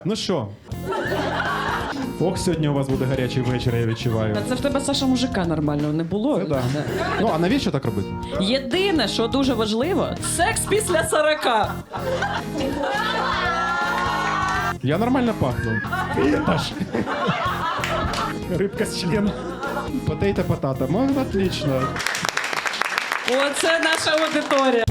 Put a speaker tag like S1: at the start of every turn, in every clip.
S1: Ну що? Ох, сьогодні у вас буде гарячий вечір, я відчуваю.
S2: Це в тебе, Саша, мужика нормального не було.
S1: Це да. Ну, а навіщо так робити?
S2: Єдине, що дуже важливо, секс після 40.
S1: Я нормально пахну. Аж. Рибка з члена. Потейта-потата. Ну, отлично.
S2: Оце наша аудиторія.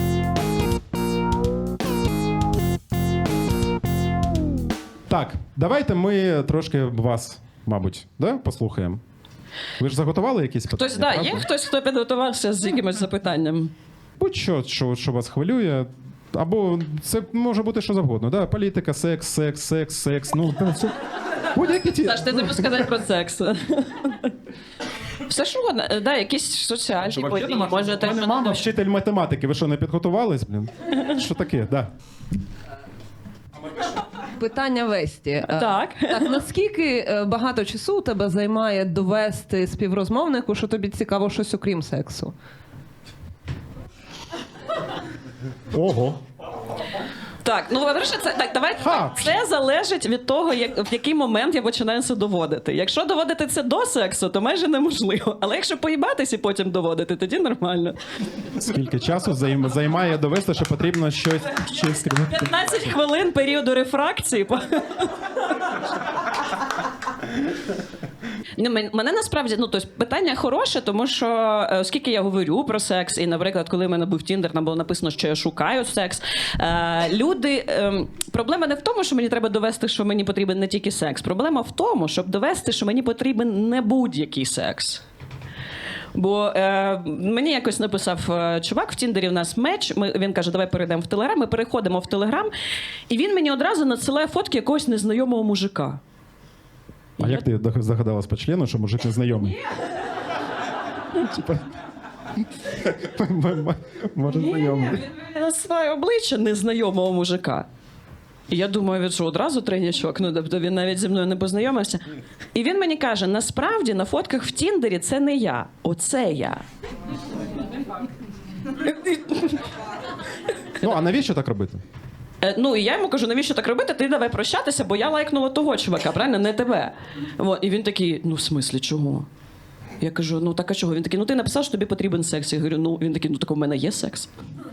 S1: Так, давайте ми трошки вас, мабуть, да, послухаємо. Ви ж заготували якісь питання?
S2: Хтось, да, є
S1: правда?
S2: хтось, хто підготувався з якимось запитанням?
S1: Будь-що, що вас хвилює. Або це може бути що завгодно. Да? Політика, секс. Ну, це будь-які ті.
S2: Саш, ти не можеш сказати про секс. Все що угодно. Да, якісь соціальні події. Може,
S1: У мене мама вчитель математики. Ви що, не підготувались? Блін? Що таке? Да.
S3: Питання Весті.
S2: Так.
S3: Так, наскільки багато часу у тебе займає довести співрозмовнику, що тобі цікаво щось окрім сексу?
S1: Ого.
S2: Так, ну по-перше, це так. Давайте
S1: Ха!
S2: так. Це залежить від того, в який момент я починаю це доводити. Якщо доводити це до сексу, то майже неможливо. Але якщо поїбатись і потім доводити, тоді нормально.
S1: Скільки часу займає довести, що потрібно щось скрізь?
S2: 15 хвилин періоду рефракції. Мене насправді, ну, тобто, питання хороше, тому що, оскільки я говорю про секс, і, наприклад, коли в мене був Тіндер, там було написано, що я шукаю секс, проблема не в тому, що мені треба довести, що мені потрібен не тільки секс. Проблема в тому, щоб довести, що мені потрібен не будь-який секс. Бо мені якось написав чувак в Тіндері, в нас меч, він каже, давай перейдемо в Телеграм, ми переходимо в Телеграм, і він мені одразу надсилає фотки якогось незнайомого мужика.
S1: А як ти здогадалась по члену, що мужик незнайомий? Типа, може знайомий.
S2: Він надсилає обличчя незнайомого мужика. І я думаю, він що, одразу тренячок? Ну, тобто він навіть зі мною не познайомився. І він мені каже, насправді на фотках в Тіндері це не я, оце я.
S1: Ну, а навіщо так робити?
S2: Ну, і я йому кажу, навіщо так робити? Ти давай прощатися, бо я лайкнула того чувака, правильно? Не тебе. І він такий, ну, в смислі, чого? Я кажу, ну, так а чого? Він такий, ну, ти написав, що тобі потрібен секс. Я говорю, ну, він такий, ну, так у мене є секс.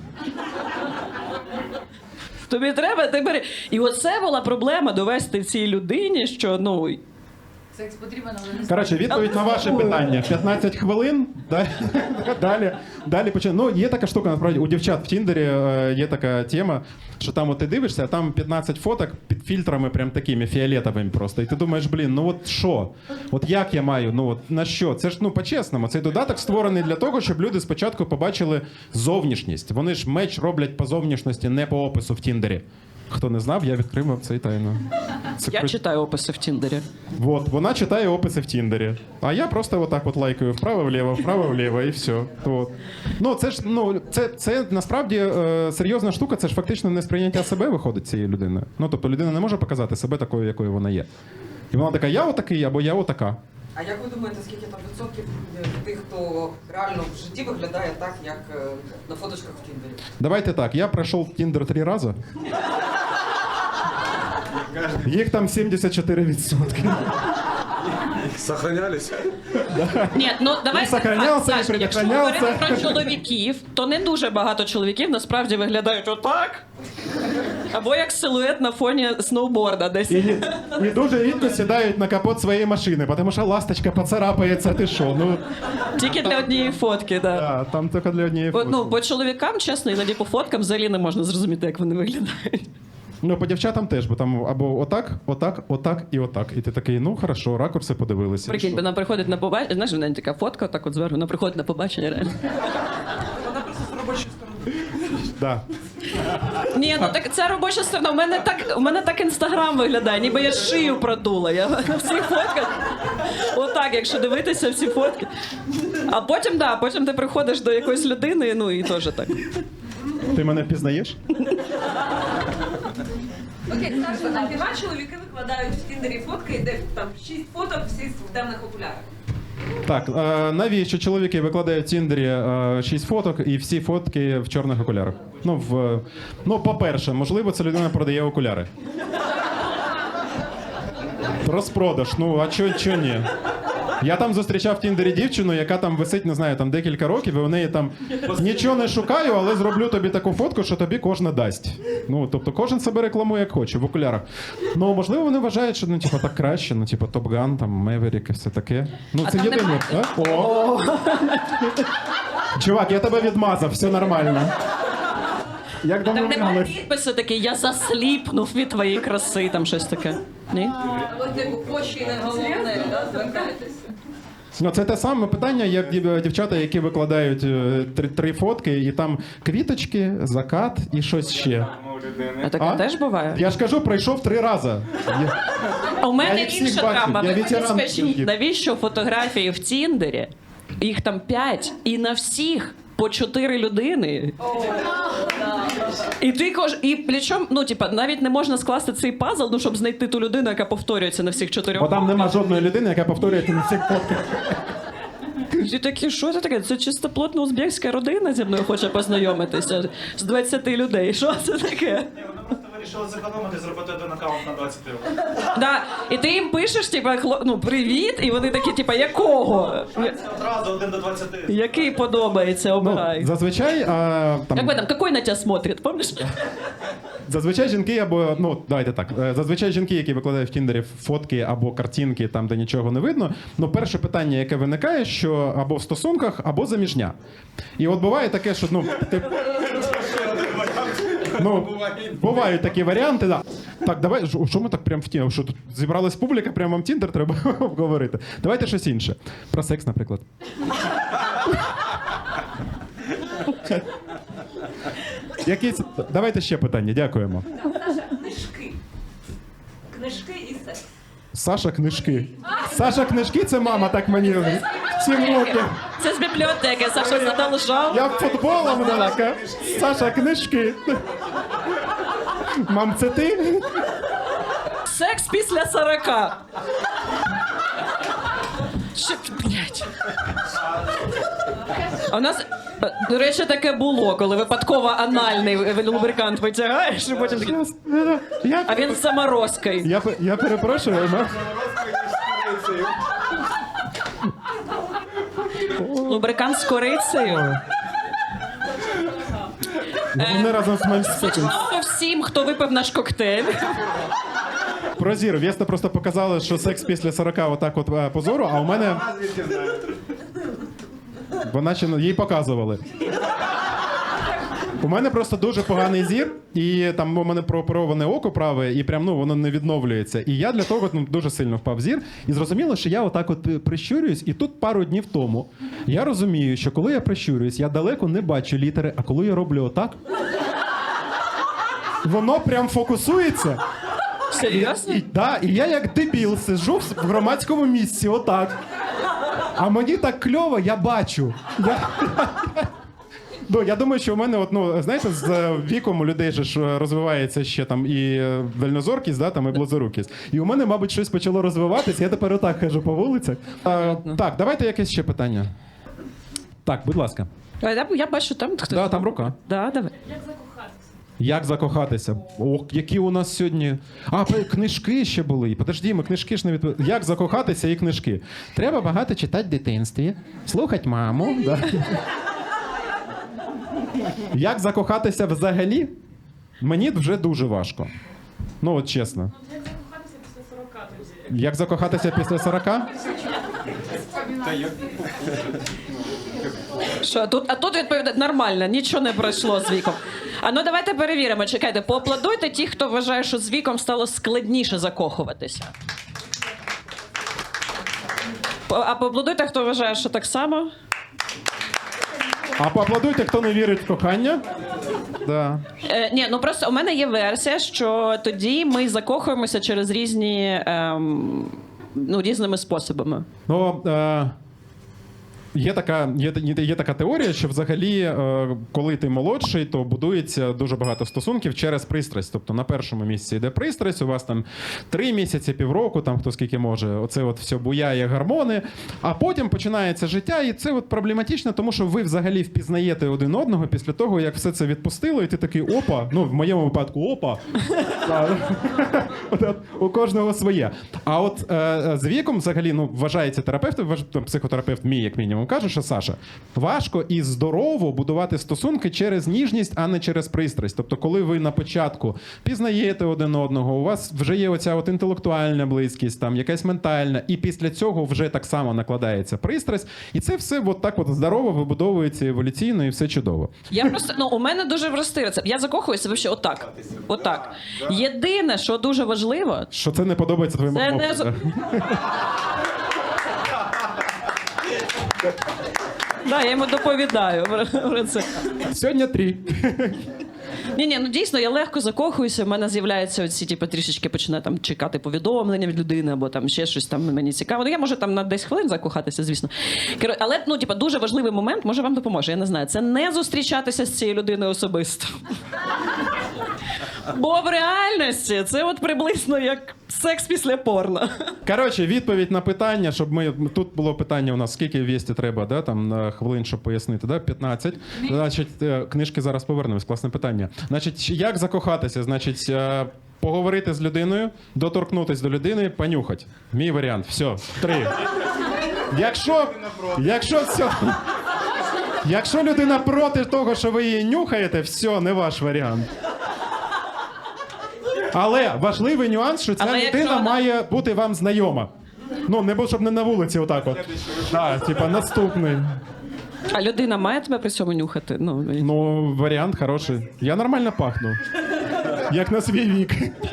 S2: Тобі треба, ти бери. І оце була проблема довести цій людині, що, ну...
S4: Секс потрібен, але не
S1: Коротше, відповідь на ваше питання. 15 хвилин, далі починаємо. Ну, є така штука, насправді, у дівчат в Тіндері є така тема, що там от ти дивишся, а там 15 фоток під фільтрами прям такими, фіолетовими просто. І ти думаєш, блін, ну от що? От як я маю, ну от на що? Це ж, ну, по-чесному, цей додаток створений для того, щоб люди спочатку побачили зовнішність. Вони ж меч роблять по зовнішності, не по опису в Тіндері. Хто не знав, я відкрив вам цей тайну.
S2: Я читаю описи в Тіндері.
S1: Вот, вона читає описи в Тіндері. А я просто отак от лайкаю вправо-вліво, і все. Вот. Ну, це ж, ну, це насправді серйозна штука, це ж фактично не сприйняття себе виходить цієї людини. Ну, тобто людина не може показати себе такою, якою вона є. І вона така, я отакий, або я отака.
S5: А як ви думаєте, скільки там відсотків тих, хто реально в житті виглядає так, як на фоточках в Тіндері?
S1: Давайте так, я пройшов Тіндер 3 рази. Їх там 74%.
S6: Сохранялись?
S2: Ні, ну давай
S1: сохранявся,
S2: так,
S1: і
S2: Саш, якщо
S1: предохранявся.
S2: говорити про чоловіків, то не дуже багато чоловіків насправді виглядають отак. Або як силует на фоні сноуборда десь.
S1: І дуже рідко сідають на капот своєї машини, тому що ласточка поцарапається, ти що? Ну,
S2: Тільки для однієї фотки, так.
S1: да, там тільки для однієї фотки.
S2: Ну, по чоловікам, чесно, іноді по фоткам взагалі не можна зрозуміти, як вони виглядають.
S1: Ну, по дівчатам теж, бо там або отак і отак. І ти такий, ну, хорошо, ракурси подивилися.
S2: Прикинь, вона приходить на побачення, знаєш, в неї така фотка, так от зверху, вона приходить на побачення, реально.
S5: Вона просто з робочої сторони.
S1: Да.
S2: Ні, ну так це робоча сторона. У мене так Інстаграм виглядає, ніби я шию продула. Я на всіх фотках. Отак, якщо дивитися всі фотки. А потім ти приходиш до якоїсь людини, ну і теж так.
S1: Ти мене впізнаєш?
S4: Окей, Саша, а хіба чоловіки викладають в Тіндері фотки, де там 6 фоток, всі в темних окулярах?
S1: Так, навіщо чоловіки викладають в Тіндері 6 фоток і всі фотки в чорних окулярах? Ну, по-перше, можливо, ця людина продає окуляри. Розпродаж. Ну, а чо ні? Я там зустрічав в Тіндері дівчину, яка там висить, не знаю, там декілька років, і у неї там нічого не шукаю, але зроблю тобі таку фотку, що тобі кожна дасть. Ну, тобто кожен себе рекламує як хоче, в окулярах. Ну, можливо, вони вважають, що, ну, типу, так краще, ну, типу, Top Gun, там, Maverick і все таке. Ну,
S2: А
S1: це
S2: там
S1: єдине.
S2: немає?
S1: А? О! Чувак, я тебе відмазав, все нормально. Як
S2: Там немає
S1: домовлялись?
S2: підпису такий, я засліпнув від твоєї краси, там щось таке. Ні?
S5: Або типу почі не головне, да, звертайтеся.
S1: Ну, це те саме питання, як дівчата, які викладають три фотки, і там квіточки, закат і щось ще.
S2: А таке
S1: А?
S2: теж буває?
S1: Я ж кажу, пройшов 3 рази.
S2: А у
S1: Я
S2: мене
S1: їх всіх
S2: інша
S1: бачу,
S2: драма.
S1: я
S2: Ви мені
S1: ветеран
S2: скажіть,
S1: тільки.
S2: навіщо фотографії в Тіндері? Їх там 5, і на всіх по 4 людини. І ти і причому, ну, типа, навіть не можна скласти цей пазл, ну, щоб знайти ту людину, яка повторюється на всіх 4.
S1: Бо там нема жодної людини, яка повторюється на всіх фотках.
S2: І такі, що це таке? Це чистоплотна узбекська родина зі мною хоче познайомитися з 20 людей. Що це таке?
S6: Просто вирішили зекономити, зробити один аккаунт на 20 євро.
S2: Да. І ти їм пишеш, типа, ну, привіт, і вони такі, типа, якого?
S6: Це одразу 1 до 20.
S2: Який подобається,
S1: Ну,
S2: обирай.
S1: зазвичай,
S2: Як
S1: там,
S2: ви там, какой на тебе смотрит, помниш?
S1: зазвичай жінки або, ну, давайте так, зазвичай жінки, які викладають в Тіндері фотки або картинки, там, де нічого не видно, ну, перше питання, яке виникає, що або в стосунках, або заміжня. І от буває таке, що, ну, ти... Ну, бувають такі варіанти, да. Так, давай, що ми так прям в тему? Що тут зібралась публіка, прямо вам Тіндер треба обговорити. Давайте щось інше. Про секс, наприклад. Якісь... Давайте ще питання, дякуємо.
S4: Книжки. Книжки і секс.
S1: Саша книжки. Саша книжки це мама так мені 7 років.
S2: Це з бібліотеки, Саша задолжав.
S1: Я футболом така. Саша книжки. Мам, це ти?
S2: Секс після 40. Що, блядь. А у нас, до речі, таке було, коли випадково анальний лубрикант витягаєш, і потім такий, а він з заморозкою.
S1: Я перепрошую, але...
S2: Лубрикант з корицею.
S1: Вони разом з мальчиком.
S2: Смачного всім, хто випив наш коктейль.
S1: Про зір. Вєста просто показала, що секс після 40 отак от позору, а у мене... Вона ще їй показували. У мене просто дуже поганий зір, і там у мене проопероване око праве, і прям, ну, воно не відновлюється. І я для того, ну, дуже сильно впав зір. І зрозуміло, що я отак от прищурююсь, і тут пару днів тому я розумію, що коли я прищурююсь, я далеко не бачу літери, а коли я роблю отак, воно прям фокусується.
S2: Серйозно?
S1: І я як дебіл сиджу в громадському місці отак. А мені так кльово, я бачу. Ну, я думаю, що в мене, от, ну, знаєте, з віком у людей же ж розвивається ще там і дальнозоркість, да, там, і близорукість. І у мене, мабуть, щось почало розвиватися, я тепер отак хожу по вулицях. Так, давайте якесь ще питання. Так, будь ласка.
S2: Я бачу там хтось.
S1: Да, там рука.
S2: Да, давай.
S1: Як закохатися? Ох, які у нас сьогодні... Книжки ще були. Подожди, ми книжки ж не відповіли. Як закохатися і книжки? Треба багато читати в дитинстві, слухати маму. Да. Як закохатися взагалі? Мені вже дуже важко. Ну, от чесно. Як закохатися після 40 тоді? Як закохатися після 40?
S2: Що, тут відповідає нормально, нічого не пройшло з віком. А ну давайте перевіримо, чекайте, поаплодуйте ті, хто вважає, що з віком стало складніше закохуватися. А поаплодуйте, хто вважає, що так само.
S1: А поаплодуйте, хто не вірить в кохання. Да.
S2: Ні, ну просто у мене є версія, що тоді ми закохуємося через різні, ну, різними способами.
S1: Ну, Є така теорія, що взагалі, коли ти молодший, то будується дуже багато стосунків через пристрасть. Тобто на першому місці йде пристрасть, у вас там 3 місяці, півроку, там хто скільки може, оце от все буяє гормони, а потім починається життя, і це от проблематично, тому що ви взагалі впізнаєте один одного після того, як все це відпустило, і ти такий опа, ну в моєму випадку опа. У кожного своє. А от з віком взагалі, ну, вважається терапевт, психотерапевт мій, як мінімум, каже, що Саша, важко і здорово будувати стосунки через ніжність, а не через пристрасть. Тобто, коли ви на початку пізнаєте один одного, у вас вже є оця от інтелектуальна близькість, там якась ментальна, і після цього вже так само накладається пристрасть, і це все от так от здорово вибудовується еволюційно, і все чудово.
S2: Я просто, ну, у мене дуже простий рецепт. Я закохуюся вообще отак. Отак. Єдине, що дуже важливо,
S1: Що це не подобається твоєму
S2: це
S1: хлопцю,
S2: не...
S1: да?
S2: Да, я йому доповідаю про це.
S1: Сьогодні 3.
S2: Ні, ну дійсно, я легко закохуюся, в мене з'являються оці, типу, трішечки починаю там чекати повідомлення від людини, або там ще щось там мені цікаво. Ну, я можу там на 10 хвилин закохатися, звісно. Але, ну, типу, дуже важливий момент, може вам допоможе, я не знаю, це не зустрічатися з цією людиною особисто. Бо в реальності це от приблизно як секс після порно.
S1: Коротше, відповідь на питання, щоб ми... Тут було питання у нас, скільки вісті треба, да, там, на хвилин, щоб пояснити, да? 15. Значить, книжки зараз повернемось, класне питання. Значить, як закохатися? Значить, поговорити з людиною, доторкнутись до людини, понюхать. Мій варіант. Все, 3. Якщо людина проти того, що ви її нюхаєте, все, не ваш варіант. Але важливий нюанс, що ця
S2: Але
S1: людина
S2: якщо вона-
S1: має бути вам знайома. Ну, не було, щоб не на вулиці отак от. Так, типа наступний.
S2: А людина має тебе при цьому нюхати?
S1: Ну, варіант хороший. Я нормально пахну. Як на свій вік.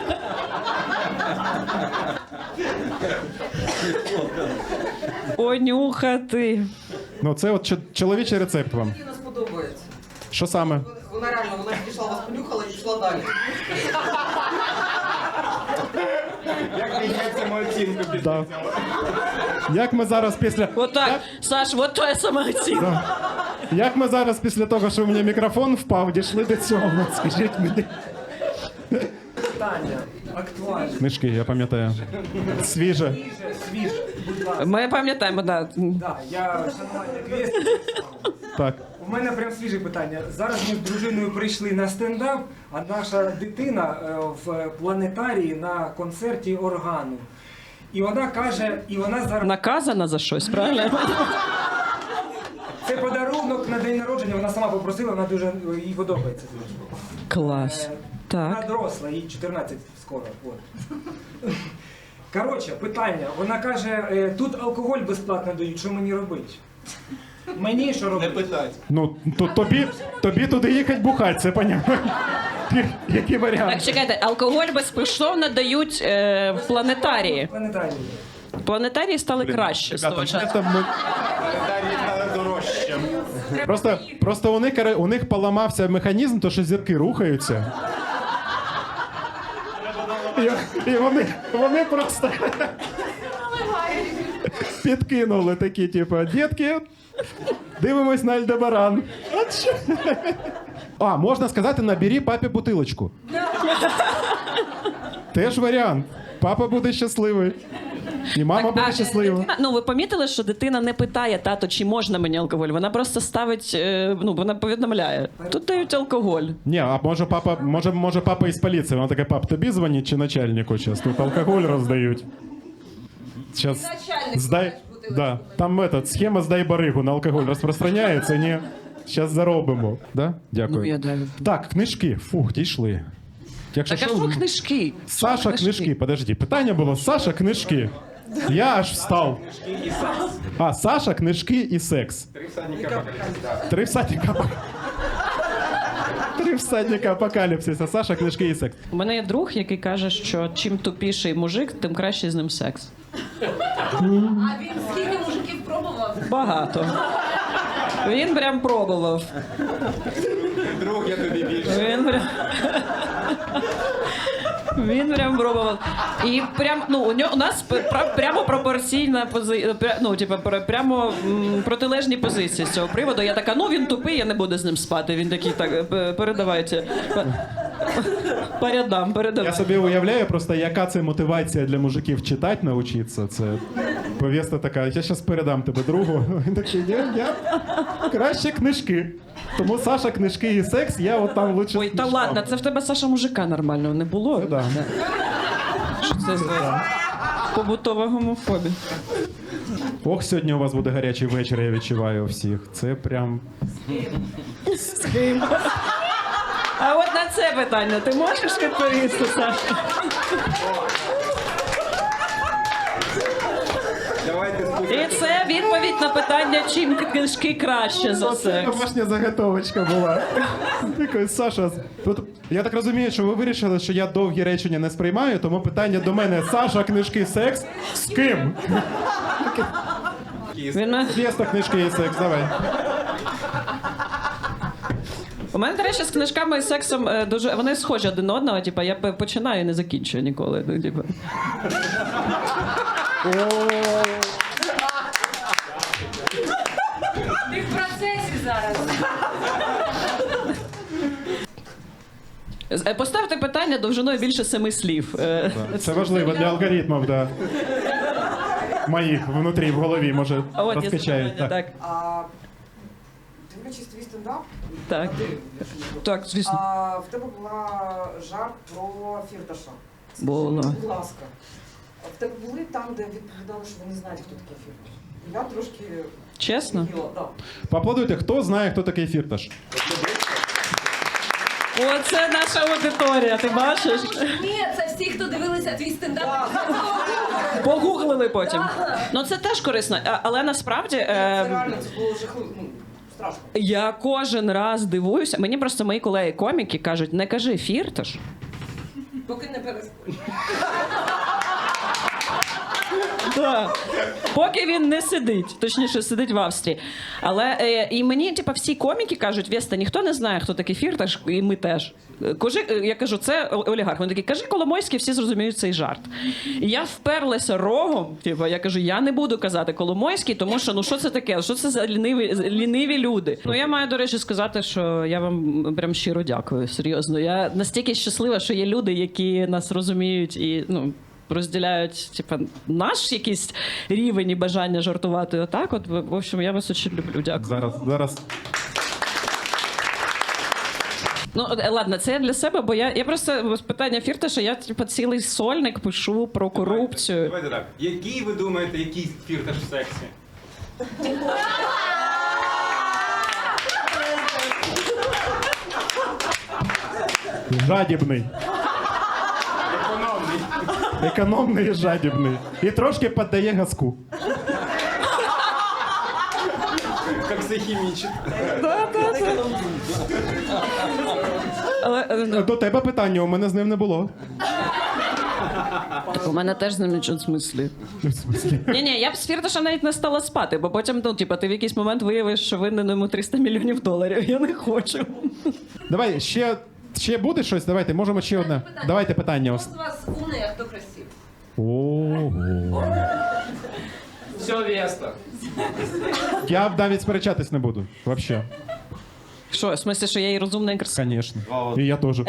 S2: Понюхати.
S1: Ну, це от чоловічий рецепт вам.
S5: Мені не сподобається.
S1: Що саме?
S5: Вона реально, вона підійшла, вас понюхала і пішла далі.
S6: Як міняється мою оцінку після
S1: Да. Як ми зараз після...
S2: Отак, Саш, от твоя самооцінка.
S1: Як ми зараз після того, що у мене мікрофон впав, дійшли до цього? От скажіть мені.
S7: Питання актуальне.
S1: Книжки, я пам'ятаю. Свіже.
S7: Свіже, будь ласка.
S2: Ми пам'ятаємо, так.
S7: Да, я шанування квест.
S1: Так.
S7: У мене прям свіже питання. Зараз ми з дружиною прийшли на стендап, а наша дитина в планетарії на концерті органу. І вона каже, і вона зараз...
S2: Наказана за щось, правильно?
S7: Це подарунок на день народження, вона сама попросила, вона дуже їй подобається.
S2: Клас.
S7: Вона
S2: Так.
S7: доросла, їй 14 скоро. От. Коротше, питання. Вона каже, тут алкоголь безплатно дають, що мені робити? Мені що робити?
S6: Не питать.
S1: Ну, тобі туди їхати бухати, це понятно. Який варіант?
S2: Так, чекайте, алкоголь безкоштовно дають в планетарії.
S7: Планетарії.
S2: Планетарії стали краще з того часу.
S1: Просто у них поламався механізм, то що зірки рухаються. І вони просто підкинули такі, типу, дітки, дивимось на Альдебаран. От що. А, можна сказати, набери папі бутилочку. Теж варіант. Папа буде щасливий. І мама буде щаслива.
S2: Дитина, ну, ви помітили, що дитина не питає, тато, чи можна мені алкоголь? Вона просто ставить, ну, вона повідомляє. Тут дають алкоголь.
S1: Ні, а може папа із поліції. Вона така, пап, тобі дзвонить чи начальнику зараз? Тут алкоголь роздають. Сейчас сдай... Да. Там схема «Здай баригу» на алкоголь розпространяється, ні? Зараз заробимо. Да? Дякую.
S2: Ну, я даю.
S1: Так, книжки. Фух, дійшли. Якщо
S2: Так, а що книжки?
S1: Саша, книжки. Подожди, питання було Саша, книжки. Я аж встав. А, Саша, книжки і секс. Три всадника апокаліпсиса. Саша, книжки і секс.
S2: У мене є друг, який каже, що чим тупіший мужик, тим краще з ним секс.
S4: А він скільки мужиків пробував?
S2: Багато. Він прям пробував.
S6: Друг, я тобі більше.
S2: Він прям пробував. І прям, ну, у нас прямо пропорційна позиція, ну, типу, прямо протилежні позиції з цього приводу. Я така, ну, він тупий, я не буду з ним спати. Він такий, так, передавайте. Передам.
S1: Я собі уявляю просто, яка це мотивація для мужиків читати навчитися. Це повістка така, я зараз передам тебе другу. Він такий, я краще книжки. Тому Саша, книжки і секс, я от там лучше.
S2: Ой, та ладно, це в тебе, Саша, мужика нормального не було?
S1: Це да.
S2: Що це за побутова гомофобія?
S1: Ох, сьогодні у вас буде гарячий вечір, я відчуваю у всіх. Це прям.
S2: А от на це питання ти можеш відповісти, Саша? І це відповідь на питання, чим книжки краще за
S1: Це
S2: секс.
S1: домашня заготовочка була. Такий, Саша, тут, я так розумію, що ви вирішили, що я довгі речення не сприймаю, тому питання до мене: Саша, книжки, секс, з ким?
S2: Він мене-
S1: Феста, книжки і секс, давай.
S2: У мене, до речі, з книжками і сексом дуже вони схожі один на одного. Типа, я починаю і не закінчую ніколи. Ну, типа.
S4: Ти в процесі зараз.
S2: Поставте питання довжиною більше 7 слів.
S1: Це важливо для алгоритмів, да. Моїх внутрі, в голові, може,
S2: А от є
S1: розкачають.
S2: запитання, так.
S5: А, дивлячись твій стендап,
S2: Так. Так, звісно.
S5: в тебе була жарт про Фірташа. Скажи
S2: Була.
S5: мені, будь ласка, в тебе були там, де відповідали, що ви не знаєте, хто такий Фірташ? Я трошки
S2: Чесно?
S5: офігіла, да.
S1: Поаплодуйте, хто знає, хто такий Фірташ?
S2: Оце наша аудиторія, ти бачиш?
S4: Ні, це всі, хто дивилися твій стендап.
S2: Погуглили потім. Ну це теж корисно, але насправді
S5: Це реально, це було жахливо, ну, страшно.
S2: я кожен раз дивуюся. Мені просто мої колеги-коміки кажуть, не кажи Фірташ.
S5: Поки не переспорю.
S2: Так. Поки він не сидить, точніше, сидить в Австрії. Але і мені, типа, всі коміки кажуть, Веста, ніхто не знає, хто такий Фірташ, і ми теж. Я кажу, це олігарх. Вони такі, кажи Коломойський, всі зрозуміють цей жарт. І я вперлася рогом, типа, я кажу, я не буду казати Коломойський, тому що, ну що це таке? Що це за ліниві люди? Ну, я маю, до речі, сказати, що я вам прям щиро дякую, серйозно. Я настільки щаслива, що є люди, які нас розуміють і, ну, розділяють, типа, наш якийсь рівень і бажання жартувати отак. От, в общем, я вас дуже люблю. Дякую.
S1: Зараз.
S2: Ну, ладно, це я для себе, бо я просто з питання Фірташа, я, типа, цілий сольник пишу про корупцію.
S8: Давайте так. Який ви думаєте, який Фірташ в сексі?
S1: Жадібний.
S8: Економний.
S1: Економний і жадібний. І трошки піддає газку.
S8: Як все хімічить.
S2: Але
S1: До тебе питання, у мене з ним не було.
S2: у мене теж з ним нічого в смислі.
S1: В смислі?
S2: Ні, я б з Фірташем навіть не стала спати, бо потім, ну, типа, ти в якийсь момент виявиш, що винен йому $300 мільйонів. Я не хочу.
S1: Давай, ще буде щось? Давайте, можемо ще одне. Давайте питання.
S4: Хто з вас умний, а хто красивий?
S1: Ого.
S8: Все, Веста.
S1: Я навіть сперечатись не буду. Вообще.
S2: Що, в смислі, що я і розумна і красива?
S1: Конечно. І я теж.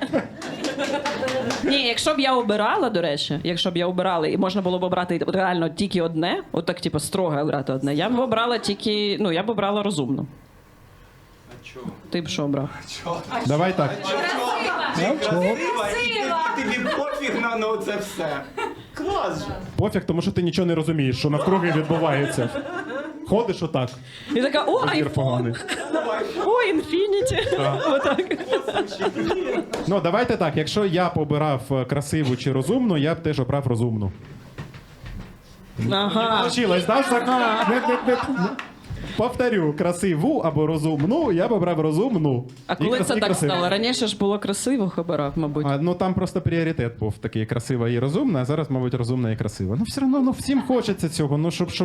S2: Ні, якщо б я обирала, до речі, і можна було б обрати реально тільки одне, отак, типу, строго обрати одне, я б обрала тільки, ну, я б обрала розумну.
S8: А чого?
S2: Ти б що обрав?
S1: Давай так.
S8: Красива, і тобі пофіг на це все. Клас же.
S1: Пофіг, тому що ти нічого не розумієш, що навкруги відбувається. Ходиш отак.
S2: І така, о,
S1: Ефір
S2: айфон,
S1: поганий.
S2: о, інфініті. Отак.
S1: Ну, давайте так. Якщо я б обирав красиву чи розумну, я б теж обрав розумну.
S2: Ага.
S1: Получилось, да? Повторю, красиву або розумну, я б обрав розумну.
S2: А
S1: І
S2: коли це так
S1: красиву.
S2: стало? Раніше ж було красивих обирав, мабуть.
S1: Ну там просто пріоритет був такий красива і розумна, а зараз, мабуть, розумна і красива. Ну все одно, ну всім хочеться цього, ну щоб...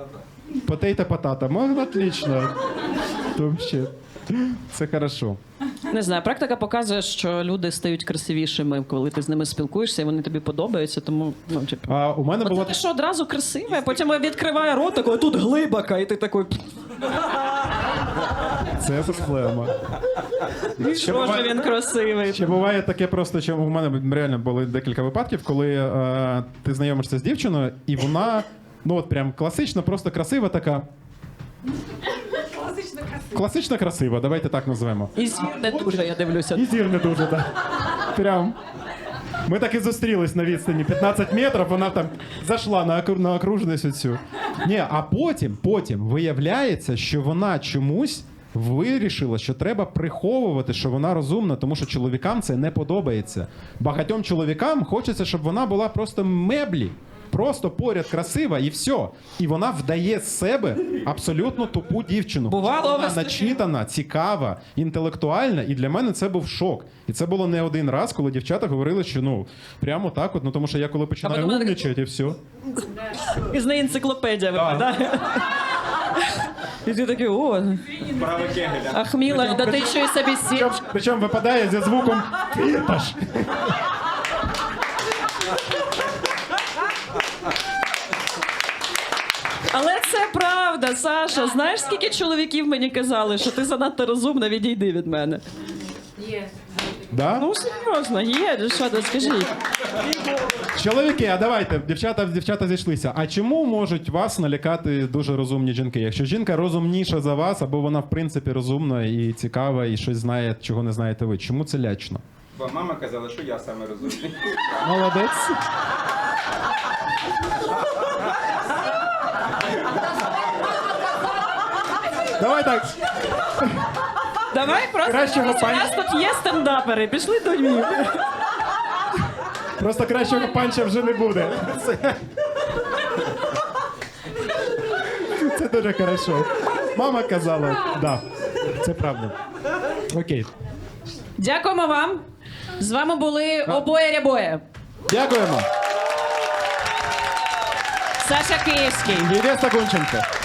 S1: Потейта-потата. Ну, отлично. Вообще. Це хорошо.
S2: Не знаю, практика показує, що люди стають красивішими, коли ти з ними спілкуєшся, і вони тобі подобаються, тому, ну, типу.
S1: А у мене було
S2: От ти що, одразу красиве, а потім відкриває рот, такий, тут глибока, і ти такий,
S1: це проблема.
S2: що ж він красивий.
S1: Ще буває таке просто, що у мене реально були декілька випадків, коли ти знайомишся з дівчиною, і вона, ну от прям класично, просто красива така. Класично красива, давайте так назвемо.
S2: І зір не дуже, я дивлюся.
S1: І зір не дуже, так. Прям. Ми так і зустрілись на відстані 15 метрів, вона там зайшла на окружність оцю. Ні, а потім виявляється, що вона чомусь вирішила, що треба приховувати, що вона розумна, тому що чоловікам це не подобається. Багатьом чоловікам хочеться, щоб вона була просто меблі. Просто поряд красива і все. І вона вдає з себе абсолютно тупу дівчину.
S2: Бувало у
S1: Вона
S2: вас таке?
S1: начитана, цікава, інтелектуальна, і для мене це був шок. І це було не один раз, коли дівчата говорили, що ну прямо так, от, ну тому що я коли починаю
S2: вона така-
S1: умнічати, і все.
S2: І з неї енциклопедія виглядає. І ти такий, о,
S8: Право Кегеля.
S2: Ахміла, да ти ще й собі сів.
S1: Причому випадає зі звуком «фірташ».
S2: Але це правда, Саша. Знаєш, скільки чоловіків мені казали, що ти занадто розумна, відійди від мене.
S1: Да?
S2: Ну, серйозно, є, що ти скажіть.
S1: Чоловіки, а давайте, дівчата зійшлися. А чому можуть вас налякати дуже розумні жінки? Якщо жінка розумніша за вас, або вона в принципі розумна і цікава, і щось знає, чого не знаєте ви. Чому це лячно?
S8: Бо мама казала, що я саме розумний.
S1: Молодець. Давай так.
S2: Давай просто
S1: Кращого
S2: дивись, у нас тут є стендапери, пішли до Львів.
S1: Просто кращого панча вже не буде. Це дуже хорошо. Мама казала, да, це правда. Окей.
S2: Дякуємо вам. З вами були обоє-рябоє.
S1: Дякуємо.
S2: Саша Київський.
S1: І Веста Гунченко.